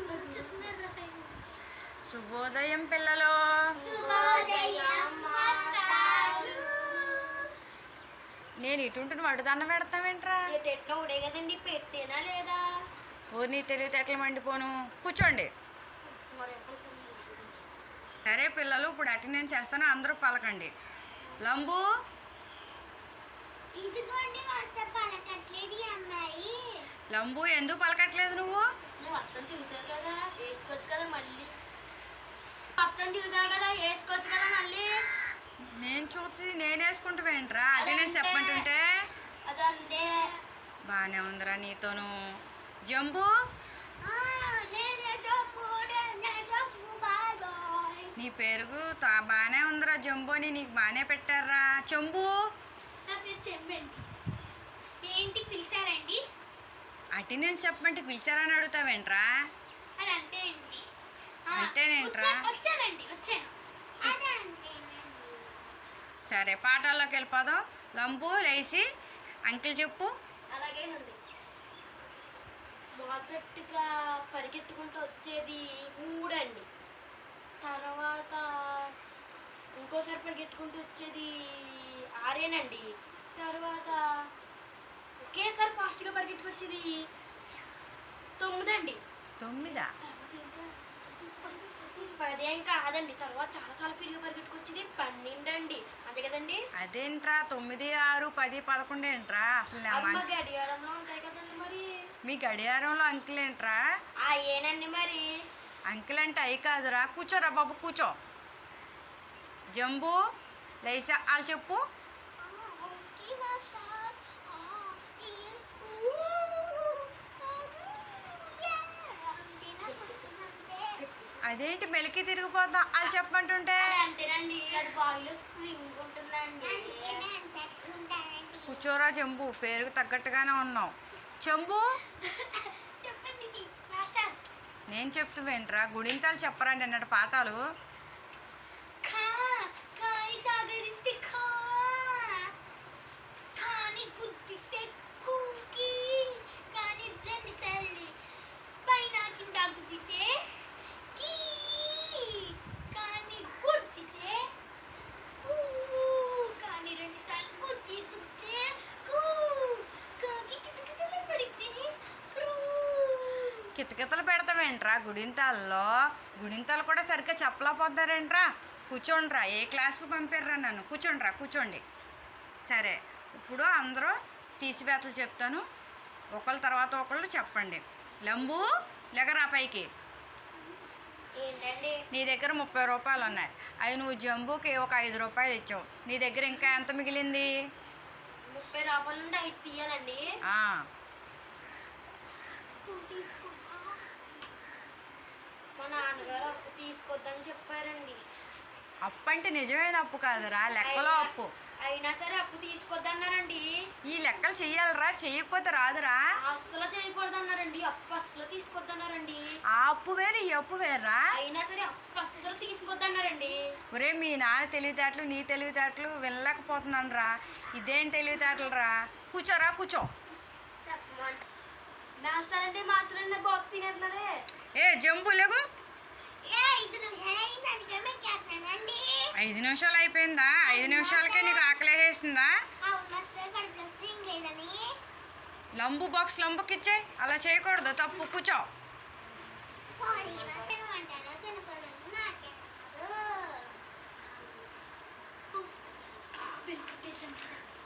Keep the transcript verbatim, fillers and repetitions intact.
శుభోదయం పిల్లలు. నేను ఇటుంటుని వడ్డుదన్న పెడతావేంట్రా? కదండి పెట్టేనా లేదా? ఓ నీ తెలివితేటలు మండిపోను. కూర్చోండి. సరే పిల్లలు, ఇప్పుడు అటెండెన్స్ చేస్తాను, అందరూ పలకండి. లంబు ఇదిగోండి మాస్టర్ పలకట్లేదు ఈ అమ్మాయి. లంబు ఎందుకు పలకట్లేదు నువ్వు? నువ్వు అర్థం చూసావు కదా, వేసుకోవచ్చు కదా మళ్ళీ. అర్థం చూసావు కదా, వేసుకోవచ్చు కదా మళ్ళీ. నేను చూసి నేను వేసుకుంటావేంట్రా? అటెండెన్స్ చెప్పమంటుంటే అదంతే. బాగానే ఉందిరా నీతోను. జంబు ఆ, నేనే చెప్పు, నేనే చెప్పు, బాయ్ బాయ్. నీ పేరు బాగానే ఉందిరా జంబు అని, నీకు బాగానే పెట్టారా. చెంబు నా పేరు చెంబండి. ఏంటి పిలిచారండి? అటెండెన్స్ చెప్పమంటే పిలిచారని అడుగుతావేంట్రా? అది అంతే అండి. ఆ, అంతేనేంట్రా? వచ్చా- వచ్చానండి వచ్చాను. అదే అంతేనండి. సరే పాఠాల్లోకి వెళ్ళిపోదాం. లంబు లేచి అంకిల్ చెప్పు. అలాగేనండి. మొదటిగా పరిగెత్తుకుంటూ వచ్చేది ఊడండి. తర్వాత ఇంకోసారి పరిగెత్తుకుంటూ వచ్చేది ఆరేనండి. తర్వాత ఒకేసారి ఫాస్ట్గా పరిగెత్తుకు వచ్చేది తొమ్మిదండి. తొమ్మిదా? పదేం కాదండి. తర్వాత చాలా చాలా ఫీల్గా పరిగెట్టుకొచ్చేది పన్నెండు అండి. అంతే కదండి. అదేంట్రా తొమ్మిది ఆరు పది పదకొండు ఏంట్రా? అసలు నా అమ్మ మన- గడియారంలో ఉంటాయి కదండి మరి. మీ గడియారంలో అంకిల్ ఏంట్రా? ఆ ఏనండి మరి. అంకిల్ అంటే అయి కాదురా. కూర్చోరా బాబు, కూర్చో. జంబు లేచా వాళ్ళు చెప్పు. Okay master. ఆ, ఈ, ఊ, యా, అంతేనా? కొంచెం అంతే. అదేంటి మెలికి తిరిగిపోతాం వాళ్ళు చెప్పమంటుంటే? అది అంతేనండి. అది బాడీలో స్ప్రింగ్ ఉంటుందండి. అందుకేనే అంత ఎక్కువ ఉంటానండి. కూర్చోరా జంబు, పేరుకు తగ్గట్టుగానే ఉన్నావు. చెంబు చెప్పండి మాస్టర్. నేను చెప్తువేంట్రా? గుడింతాలు చెప్పరండి అన్నట్టు పాఠాలు. ఖా కాని సాగరిస్తే ఖా కాని గుద్దితే కుంకి కాని రెండు సార్లు పైన కింద గుద్దితే కీ కాని గుద్దితే కూ కాని రెండు సార్లు గుద్ది గుద్దితే కూ కాకి కితకితలు పడితే క్రూ. కితకితలు పెడతావేంట్రా గుడింతాల్లో? గుడింతాలు కూడా సరిగ్గా చెప్పలేకపోతారేంట్రా? కూర్చోండ్రా. ఏ క్లాస్కి పంపారా నన్ను? కూర్చోండ్రా, కూర్చోండి. సరే, ఇప్పుడు అందరూ తీసివేతలు చెప్తాను, ఒకళ్ళ తర్వాత ఒకళ్ళు చెప్పండి. లంబు లెగరా పైకి. ఏంటండి? నీ దగ్గర ముప్పై రూపాయలు ఉన్నాయి. అవి నువ్వు జంబుకి ఒక ఐదు రూపాయలు ఇచ్చావు. నీ దగ్గర ఇంకా ఎంత మిగిలింది? ముప్పై రూపాయల నుండి ఐదు తీయాలండి. ఆ, తీసుకో. మా నాన్నగారు అప్పు తీసుకొద్దని చెప్పారండి. అప్పు అంటే నిజమైన అప్పు కాదురా, లెక్కలో అప్పు. అయినా సరే అప్పు తీసుకొద్దన్నారండి. ఈ లెక్కలు చెయ్యాలరా, చెయ్యకపోతే రాదురా. అస్సలు చేయకూడదన్నారండి. అప్పు అస్సలు తీసుకొద్దన్నారండి. ఆ అప్పు వేరు, ఈ అప్పు వేర్రా. అయినా సరే అప్పు అస్సలు తీసుకొద్దన్నారండి. ఒరే మీ నాన్న తెలివితేటలు నీ తెలివితేటలు వినలేకపోతున్నాను రా. ఇదేం తెలివితేటలు రా. కూర్చోరా, కూర్చో. చెప్పమంట మాస్టర్ అంటే మాస్టర్ అన్న బాక్స్ తినేస్తున్నారే. ఏ జంబు లేగు. ఏ ఐదు నిమిషాలు అయింది అందుకే మీకు చేస్తానండి. ఐదు నిమిషాలు అయిపోయిందా? ఐదు నిమిషాలకే నీకు ఆకలి వేసేసిందా? అవును మాస్టర్, కడుపులో స్ప్రింగ్ లేదని. లంబు బాక్స్ లంబుకి ఇచ్చేయి. అలా చేయకూడదు, తప్పు. కూర్చో. సారీ తినమంటాను, తినకూడదు నాకే కాదు.